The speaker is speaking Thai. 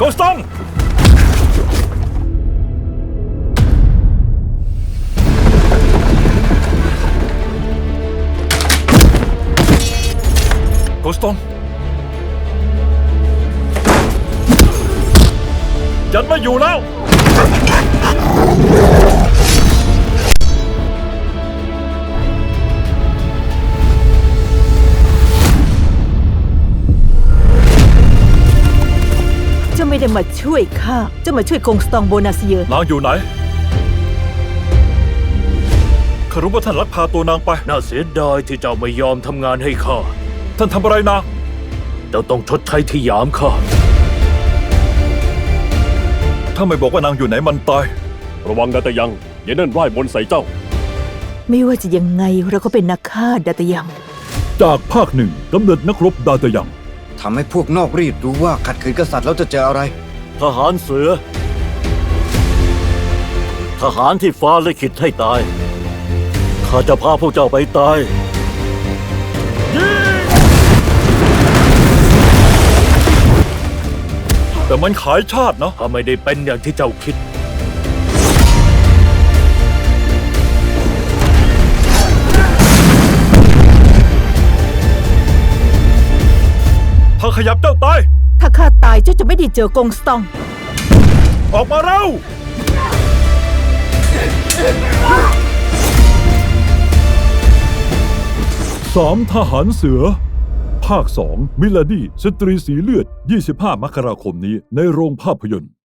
กสตองโกสตองยันไม่อยู่แล้วเจ้าไม่ได้มาช่วยข้าเจ้ามาช่วยกงสตองโบนาเซียนางอยู่ไหนข้ารู้ว่าท่านลักพาตัวนางไปน่าเสียดายที่เจ้าไม่ยอมทำงานให้ข้าท่านทำอะไรนางเจ้าต้องชดใช้ที่หยามข้าถ้าไม่บอกว่านางอยู่ไหนมันตายระวังดาตะยังอย่าเนิ่นร่ายมนต์ใส่เจ้าไม่ว่าจะยังไงเราก็เป็นนักฆ่าดาตยังจากภาคหนึ่งกำเนิดนักรบดาตะยังทำให้พวกนอกรีดรู้ว่าขัดขืนกษัตริย์แล้วจะเจออะไรทหารเสือทหารที่ฟ้าลิขิตให้ตายข้าจะพาพวกเจ้าไปตายแต่มันขายชาตินะถ้าไม่ได้เป็นอย่างที่เจ้าคิดถ้าขยับเจ้าตายถ้าข้าตายเจ้าจะไม่ได้เจอกงสตองออกมาเร็ว3 ทหารเสือภาค 2มิลาดี้สตรีสีเลือด25 มกราคมนี้ในโรงภาพยนตร์